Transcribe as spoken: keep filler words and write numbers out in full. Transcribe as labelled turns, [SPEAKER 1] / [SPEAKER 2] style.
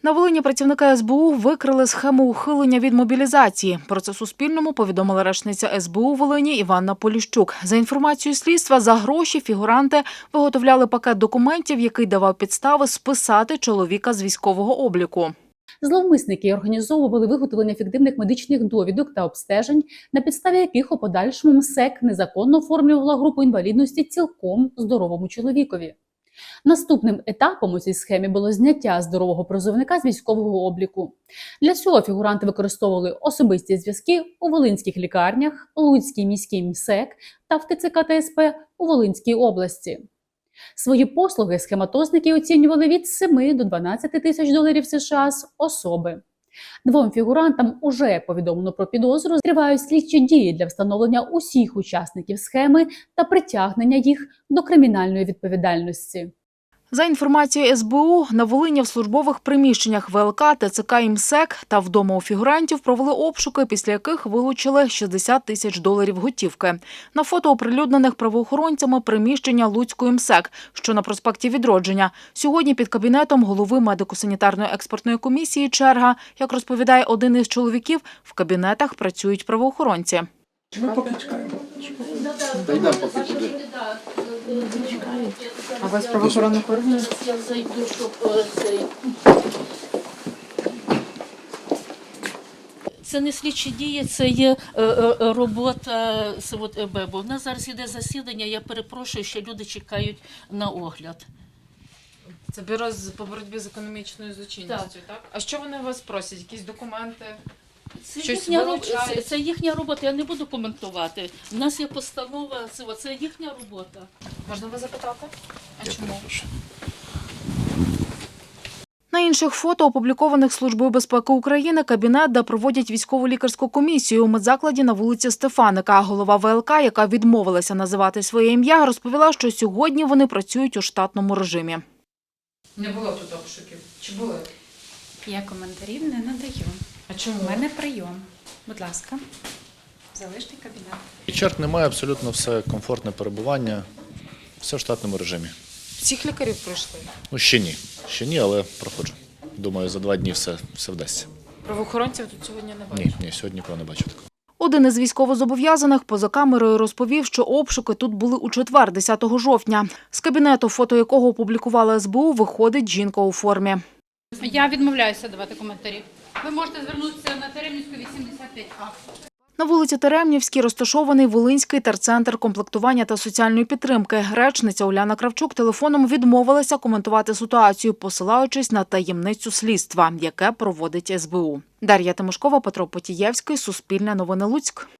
[SPEAKER 1] На Волині працівники ес бе у викрили схему ухилення від мобілізації. Про це Суспільному повідомила речниця ес бе у Волині Іванна Поліщук. За інформацією слідства, за гроші фігуранти виготовляли пакет документів, який давав підстави списати чоловіка з військового обліку.
[SPEAKER 2] Зловмисники організовували виготовлення фіктивних медичних довідок та обстежень, на підставі яких у подальшому ем ес е ка незаконно оформлювала групу інвалідності цілком здоровому чоловікові. Наступним етапом у цій схемі було зняття здорового призовника з військового обліку. Для цього фігуранти використовували особисті зв'язки у волинських лікарнях, Луцькій міській ем ес е ка та в те це ка та ес пе у Волинській області. Свої послуги схематозники оцінювали від семи до дванадцяти тисяч доларів США з особи. Двом фігурантам уже повідомлено про підозру, тривають слідчі дії для встановлення усіх учасників схеми та притягнення їх до кримінальної відповідальності.
[SPEAKER 1] За інформацією ес бе у, на Волині в службових приміщеннях ве ел ка, те це ка і ем ес е ка та вдома у фігурантів провели обшуки, після яких вилучили шістдесят тисяч доларів готівки. На фото оприлюднених правоохоронцями приміщення Луцької ем ес е ка, що на проспекті Відродження. Сьогодні під кабінетом голови медико-санітарної експертної комісії черга. Як розповідає один із чоловіків, в кабінетах працюють правоохоронці.
[SPEAKER 3] Ми поки чекаємо. Та йдемо поки туди.
[SPEAKER 1] А вас правоохоронних органів?
[SPEAKER 4] Я зайду, щоб цей... Це не слідчі дії, це є е, е, робота з от, е, бе бе. У нас зараз іде засідання, я перепрошую, ще люди чекають на огляд.
[SPEAKER 1] Це бюро по боротьбі з економічною злочинністю, так? так? А що вони вас просять? Якісь документи?
[SPEAKER 4] Це
[SPEAKER 1] Щось
[SPEAKER 4] їхня, роб-
[SPEAKER 1] вилучають?
[SPEAKER 4] це, це їхня робота, я не буду коментувати. У нас є постанова, це, це їхня робота.
[SPEAKER 1] Можна вас запитати? А чому? На інших фото, опублікованих Службою безпеки України, кабінет, де проводять військово-лікарську комісію у медзакладі на вулиці Стефаника. Голова ве ел ка, яка відмовилася називати своє ім'я, розповіла, що сьогодні вони працюють у штатному режимі. Не було тут обшуків? Чи були?
[SPEAKER 5] Я коментарів не надаю.
[SPEAKER 1] А чому?
[SPEAKER 5] У мене прийом. Будь ласка, залиште кабінет.
[SPEAKER 6] Черг немає, абсолютно все комфортне перебування, все в штатному режимі.
[SPEAKER 1] Всіх лікарів пройшли?
[SPEAKER 6] Ну, ще ні, ще ні, але проходжу. Думаю, за два дні все, все вдасться.
[SPEAKER 1] Правоохоронців тут сьогодні не бачу.
[SPEAKER 6] Ні, ні, сьогодні нікого не бачу такого.
[SPEAKER 1] Один із військовозобов'язаних поза камерою розповів, що обшуки тут були у четвер, десятого жовтня. З кабінету, фото якого опублікувала ес бе у, виходить жінка у формі.
[SPEAKER 5] Я відмовляюся давати коментарі. Ви можете звернутися на Теремівську, вісімдесят п'ять а.
[SPEAKER 1] На вулиці Теремнівській розташований Волинський терцентр комплектування та соціальної підтримки. Речниця Уляна Кравчук телефоном відмовилася коментувати ситуацію, посилаючись на таємницю слідства, яке проводить ес бе у. Дар'я Тимошкова, Петро Потієвський, Суспільне новини Луцьк.